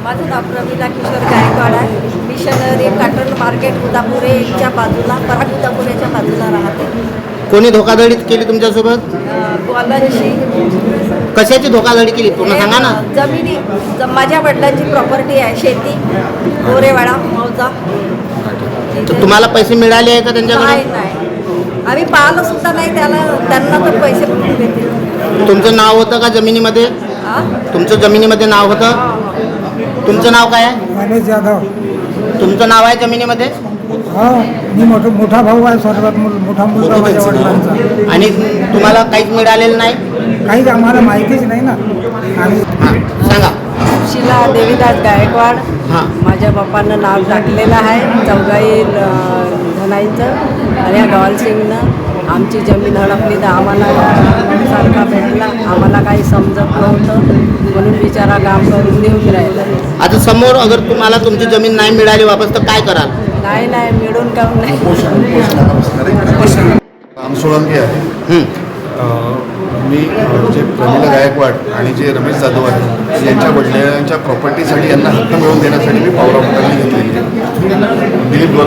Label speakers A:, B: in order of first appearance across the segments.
A: माझं नाव प्रमिला किशोर गायकवाड आहे. Missionary cotton market उदापुरेच्या बाजूला, पराग उदापुरेच्या बाजूला राहते.
B: कोणी धोकाधडी केली तुमच्यासोबत?
A: कॉलनशी
B: कशाची धोकाधडी केली पूर्ण सांगा ना.
A: जमिनी माझ्या वडिलांची प्रॉपर्टी आहे, शेती गोरेवाडा मौजा.
B: तर तुम्हाला पैसे मिळाले आहे का त्यांच्याकडे?
A: नाही, आम्ही पाहिलं सुद्धा नाही त्यांना तर पैसे कुठून देतील.
B: तुमचं नाव होतं का जमिनीमध्ये? तुमचं जमिनीमध्ये नाव होतं? तुमचं नाव काय आहे?
C: गणेश जाधव.
B: तुमचं नाव आहे जमिनीमध्ये?
C: हा, मी मोठा भाऊ आहे, सर्वात मोठा मुलगा माझ्या वडिलांचा.
B: आणि तुम्हाला काहीच मिळालेलं नाही?
C: काहीच आम्हाला माहितीच नाही ना. आम्ही
B: हां सांगा.
A: शिला देवीदास गायकवाड.
B: हां
A: माझ्या बापानं नाव टाकलेलं आहे चौघाई धनाईचं, आणि या डॉलसिंगनं आमची जमीन हडपली तर आम्हाला सारखा भेटला. आम्हाला काही समजत नव्हतं म्हणून बिचारा काम करून देऊन राहिला.
B: आता समोर अगर तुम्हाला तुमची जमीन नाही मिळाली वापस तर काय कराल?
A: नाही मिळून काऊन नाही.
D: राम सोळंकी आहे. मी जे प्रमिला गायकवाड आणि जे रमेश जाधव आहे यांच्या वडिलांच्या प्रॉपर्टीसाठी यांना हक्क मिळवून देण्यासाठी मी पावला उचलली घेतलेली आहे. दिलीप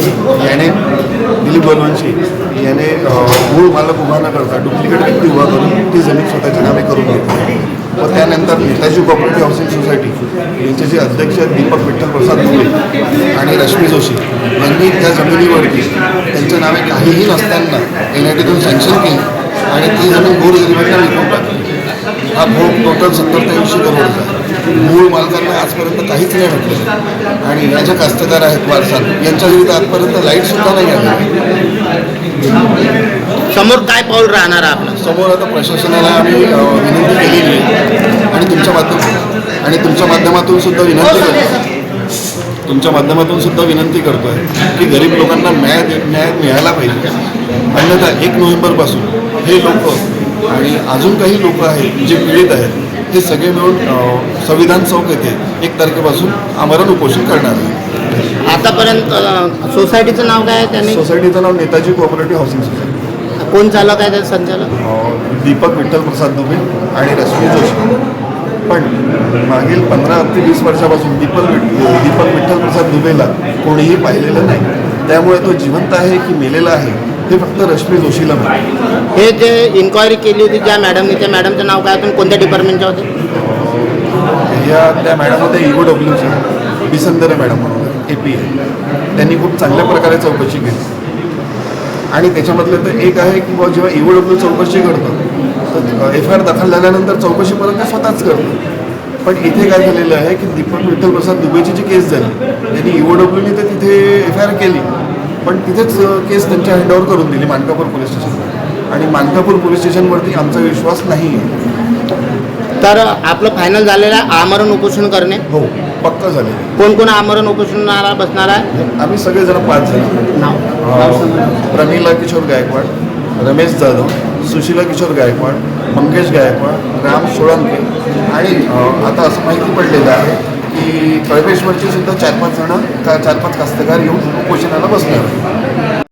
D: गोलवंशी याने मूळ मालक उभा न करता डुप्लिकेट व्यक्ती उभा करून ती जमीन स्वतःच्या नावे करून घेतली. व त्यानंतर नेताजी कोऑपरेटिव्ह हाऊसिंग सोसायटी यांचे जे अध्यक्ष आहेत दीपक विठ्ठल प्रसाद दुबे आणि रश्मी जोशी यांनी त्या जमिनीवरती त्यांच्या नावे काहीही नसताना NITतून सँक्शन केली आणि ती जमीन गोरगरिबांना विकून टाकली. हा भोग टोटल 70 ते 80 करोडचा. मूळ मालकांना आजपर्यंत काहीच नाही भेटलं आणि या ज्या कास्तकार आहेत वारसाल यांच्या विरुद्ध आजपर्यंत लाईटसुद्धा नाही आली.
B: समोर काय पाऊल राहणार आहे आपलं?
D: समोर आता प्रशासनाला आम्ही विनंती केलेली आहे आणि तुमच्या माध्यमातून सुद्धा विनंती करतोय की गरीब लोकांना न्याय मिळायला पाहिजे. अन्यथा 1 नोव्हेंबरपासून हे लोक आणि अजून काही लोक आहेत जे पीडित आहेत हे सगळे मिळून संविधान चौक येथे 1 तारखेपासून आमरण उपोषण करणार आहे.
B: आतापर्यंत सोसायटीचं नाव काय आहे? त्यांनी
D: सोसायटीचं नाव नेताजी कोऑपरेटिव्ह हाऊसिंग सोसायटी.
B: कोण चालक आहे त्याचं संचालक?
D: दीपक विठ्ठल प्रसाद दुबे आणि रश्मी जोशी. पण मागील 15 ते 20 वर्षापासून दीपक विठ्ठल प्रसाद दुबेला कोणीही पाहिलेलं नाही. त्यामुळे तो जिवंत आहे की मेलेला आहे हे फक्त रश्मी जोशीला माहिती.
B: हे जे इन्क्वायरी केली होती ज्या मॅडमने, त्या मॅडमचं नाव काय? तुम्ही कोणत्या डिपार्टमेंटच्या होते?
D: त्या मॅडम होत्या EOWच्या बिसंदरे मॅडम म्हणून AP. त्यांनी खूप चांगल्या प्रकारे चौकशी केली आणि त्याच्यामधलं तर एक आहे की जेव्हा EOW चौकशी करतं तर FIR दाखल झाल्यानंतर चौकशी परत ते स्वतःच करतं. पण इथे काय झालेलं आहे की दीपक विठ्ठल प्रसाद दुबेची जी केस झाली त्यांनी EOWने तर तिथे FIR केली पण तिथेच केस त्यांच्या हँडओव्हर करून दिली मानकापूर पोलीस स्टेशन. आणि मानकापूर पोलीस स्टेशनवरती आमचा विश्वास नाही आहे.
B: तर आपलं फायनल झालेलं आहे आमरण उपोषण करणे?
D: हो, पक्का झाले.
B: कोण कोण आमरण उपोषणाला बसणार आहे?
D: आम्ही सगळेजण 5 जण.
B: नाव?
D: प्रमिला किशोर गायकवाड, रमेश जाधव, सुशीला किशोर गायकवाड, मंगेश गायकवाड, राम सोळंके आणि आता असं माहिती पडलेलं आहे की कळपेश्वरची सुद्धा 4-5 कास्तकार येऊन उपोषणाला बसणार.